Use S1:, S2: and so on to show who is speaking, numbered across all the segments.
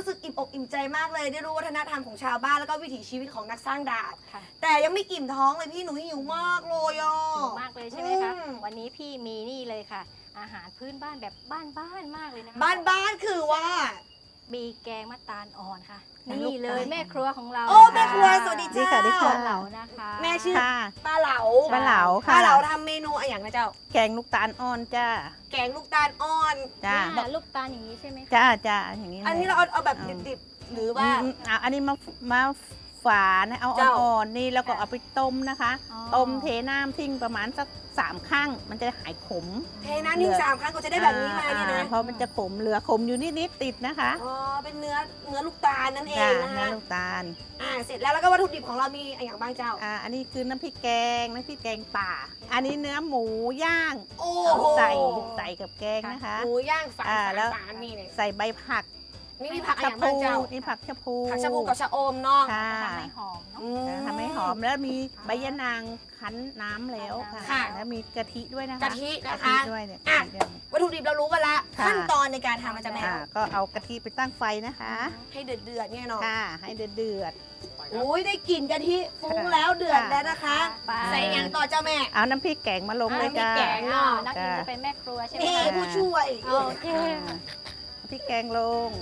S1: รู้สึกอิ่มอกอิ่มใจมากเลยได้รู้วัฒนธรรมของชาวบ้านแล้วก็วิถีชีวิตของนักสร้างดาบแต่ยังไม่อิ่มท้องเลยพี่หนูหิวมากเลยอ่ะ
S2: หิวมากเลยใช่ไหมคะวันนี้พี่มีนี่เลยค่ะอาหารพื้นบ้านแบบบ้านมากเลยนะคะ
S1: บ้านคือว่า
S2: มีแกงมะตาลอ่อนค่ะนี่เลยแม่ครัวของเรา
S1: โอ้แม่ครัวสวัสดีเจ้า
S3: สวัสดีค่ะ
S2: เหลานะคะ
S1: แม่ชื่อป้าเหลา
S3: ป้าเหลาค่ะ
S1: ป้าเหลาทำเมนูอะไรอย่างนะเจ้า
S3: แกงลูกตาลอ่อนจ้า
S1: แกงลูกตาลอ่อน
S3: จ้า
S2: ลูกตาลอย่างนี้ใช่ไหมคะ
S3: จ้าอย่างนี้
S1: อันนี้เราเอาแบบดิบๆหรือว่า
S3: อันนี้มาฝานเอาอ่อนๆนี่แล้วก็เอาไปต้มนะคะต้มเทน้ำทิ้งประมาณสัก3 ครั้งมันจะหายขม
S1: เทน้ำทิ้ง3 ครั้งก็จะได้แบบนี้มาเนี่ยนะ
S3: เพราะมันจะขมเหลือขมอยู่นิดๆติดนะคะ
S1: อ๋อเป็นเนื้อลูกตาลนั่นเองนะคะ
S3: เนื้อลูกตาล
S1: เสร็จแล้วก็วัตถุดิบของเรามีอะไรอย่างบ้างเจ้า
S3: อันนี้คือน้ำพริกแกงป่าอันนี้เนื้อหมูย่างใส่กับแกงนะคะ
S1: หมูย่างฝาน
S3: แล้ว
S1: นี่เลย
S3: ใส่ใบผัก
S1: มีผักอะไรบ้างเจ้า
S3: นี่ผักชะพู
S1: กับชะอมเนาะ
S2: ทำให้หอมเนาะ
S3: ทำให้หอมแล้วมีใบยะนางคั้นน้ำแล้วค่ะแล้วมีกะทิด้วยนะคะ
S1: กะทินะคะ
S3: ด้วยเนี่ย
S1: วัตถุดิบเรารู้กันละขั้นตอนในการทำมันจะแม่
S3: ก็เอากะทิไปตั้งไฟนะคะ
S1: ให้เดือดเนี่ยเนาะ
S3: ให้เดือด
S1: โอ้ยได้กลิ่นกะทิฟุ้งแล้วเดือดแล้วนะคะใส่ยังต่อเจ้าแม่
S3: เอาน้ำพริกแกงมาลงเลยจ้า
S1: แกงเนาะ
S2: นักกินจะเป็นแม่ครัวใช่ไหม
S1: ผู้ช่วย
S2: โอเค
S3: พริกแกงลง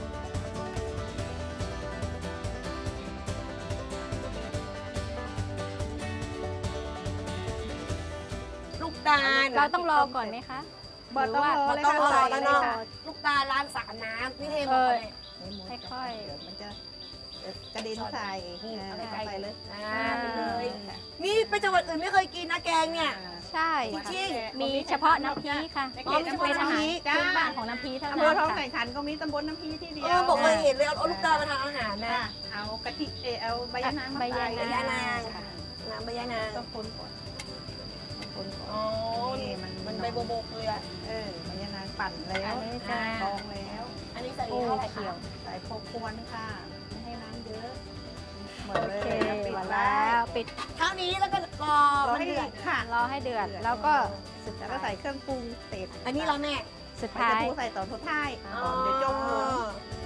S2: เราต้องรอก่อนไหมคะ
S3: ต้องรอเลยค่ะ
S1: แล้วเนาะลูกตาลล้างสารน้ำนี่เทหมดเลย
S2: ค่อย
S3: ๆมันจะกระเด็นใส่ไปเลย
S1: ไปเลยนี่ไปจังหวัดอื่นไม่เคยกินนะแกงเนี่ย
S2: ใช่
S1: จริง
S2: มีเฉพาะน้ำพริกค่ะเป็นอาหารพื้นบ้านของน้ำพริกเท่านั้น
S3: อำเภอท้องไข่ขันก็มีตำบลน้ำพริกที่เดียว
S1: บอกเคยเห็นเลยเอาลูกตาลมาทำอาหารนะ
S3: เอากะทิเอาใบยะนาง
S1: ใบยะนางน้ำใบยะนาง
S3: ต้องคนก่อน
S1: อ๋อมันใบโบกเลย
S3: ใบยะนางปั่นแล้วกองแล้ว
S1: อันนี้ใส่เท่าไหร่เขียว
S3: ใส่พอควรค่ะไม่ให้น้ำเยอะ
S2: โอเคปิดแล้วปิด
S1: เท่านี้แล้วก็รอ
S3: ให้เดือดค่ะ
S2: รอให้เดือดแล้วก็
S3: สุดท้ายใส่เครื่องปรุงเสร็จ
S1: อันนี้เราแม่
S2: สุดท้าย
S3: ใส่ตอนสุดท้ายเดี๋ยวจมลง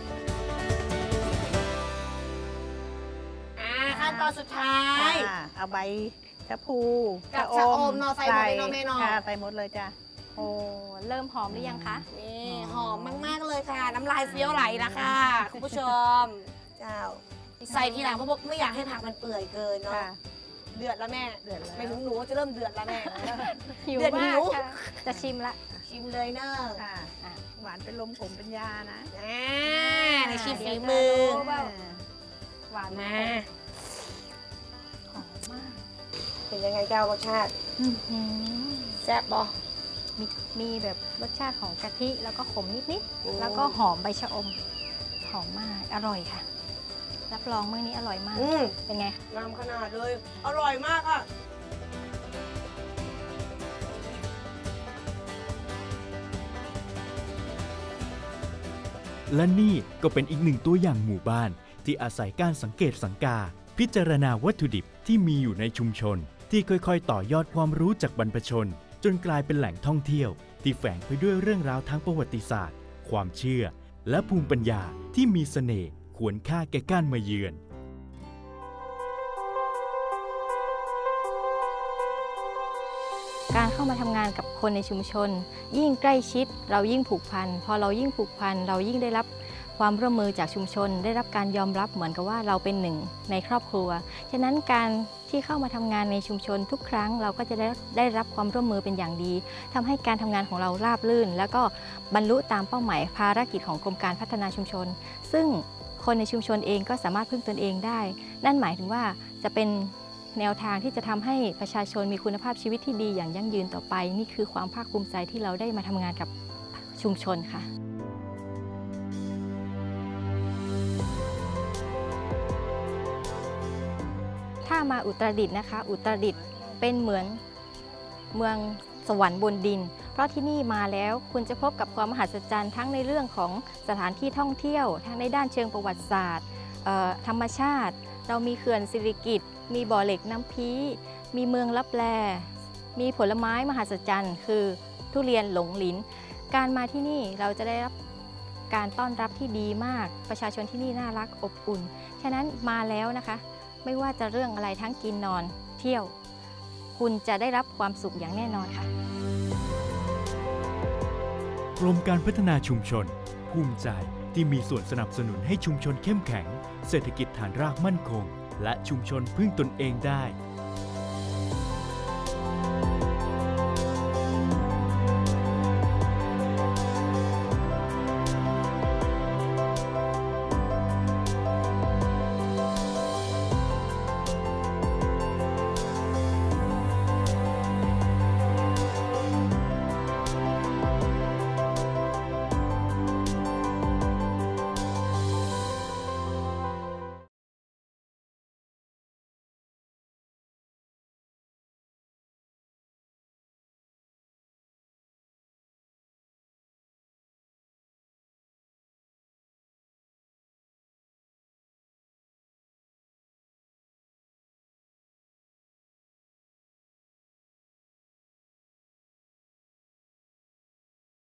S1: ขั้นตอนสุดท้าย
S3: เอาใบชะพู
S1: กับชะอมเนาะใส่หมดเลยเนาะแม่เนาะ
S3: ใส่หมดเลยจ้ะ
S2: โอ้เริ่มหอมหรือยังคะ
S1: นี่หอมมากๆเลยค่ะน้ำลายเฟี้ยวไหลละค่ะคุณผู้ชมเจ้าใส่ทีหลังเพราะไม่อยากให้ผักมันเปื่อยเกินเนาะเดือดแล้วแม่
S3: เดือดแล้ว
S1: ไม่ถึงหนูจะเริ่มเดือดแล้วแม่
S2: หิวมากจะชิมละ
S1: ชิมเลยเนอะ
S3: หวานเป็นลมขมเป็นยานะ
S1: ในชิมฝีมือ
S2: หวาน
S1: มาเป็นยังไงเจ้ารสชาติแซ่บบ่
S2: มีแบบรสชาติของกะทิแล้วก็ขมนิดๆแล้วก็หอมใบชะอมหอมมากอร่อยค่ะรับรองมื้อนี้อร่อยมากเป็นไง
S1: งามขนาดเลยอร่อยมากอ่ะ
S4: และนี่ก็เป็นอีกหนึ่งตัวอย่างหมู่บ้านที่อาศัยการสังเกตสังกาพิจารณาวัตถุดิบที่มีอยู่ในชุมชนที่ค่อยๆต่อยอดความรู้จากบรรพชนจนกลายเป็นแหล่งท่องเที่ยวที่แฝงไปด้วยเรื่องราวทางประวัติศาสตร์ความเชื่อและภูมิปัญญาที่มีเสน่ห์ควรค่าแก่การมาเยือน
S2: การเข้ามาทำงานกับคนในชุมชนยิ่งใกล้ชิดเรายิ่งผูกพันพอเรายิ่งผูกพันเรายิ่งได้รับความร่วมมือจากชุมชนได้รับการยอมรับเหมือนกับว่าเราเป็นหนึ่งในครอบครัวฉะนั้นการที่เข้ามาทำงานในชุมชนทุกครั้งเราก็จะได้รับความร่วมมือเป็นอย่างดีทำให้การทำงานของเราราบรื่นแล้วก็บรรลุตามเป้าหมายภารกิจของกรมการพัฒนาชุมชนซึ่งคนในชุมชนเองก็สามารถพึ่งตนเองได้นั่นหมายถึงว่าจะเป็นแนวทางที่จะทำให้ประชาชนมีคุณภาพชีวิตที่ดีอย่างยั่งยืนต่อไปนี่คือความภาคภูมิใจที่เราได้มาทำงานกับชุมชนค่ะถ้ามาอุตรดิตถ์นะคะอุตรดิตถ์เป็นเหมือนเมืองสวรรค์บนดินเพราะที่นี่มาแล้วคุณจะพบกับความมหัศจรรย์ทั้งในเรื่องของสถานที่ท่องเที่ยวทั้งในด้านเชิงประวัติศาสตร์ธรรมชาติเรามีเขื่อนสิริกิติ์มีบ่อเหล็กน้ำพีมีเมืองลับแลมีผลไม้มหัศจรรย์คือทุเรียนหลงหลินการมาที่นี่เราจะได้รับการต้อนรับที่ดีมากประชาชนที่นี่น่ารักอบอุ่นฉะนั้นมาแล้วนะคะ ไม่ว่าจะเรื่องอะไรทั้งกินนอนเที่ยว คุณจะได้รับความสุขอย่างแน่นอนค่ะ
S4: กรมการพัฒนาชุมชน ภูมิใจที่มีส่วนสนับสนุนให้ชุมชนเข้มแข็ง เศรษฐกิจฐานรากมั่นคง และชุมชนพึ่งตนเองได้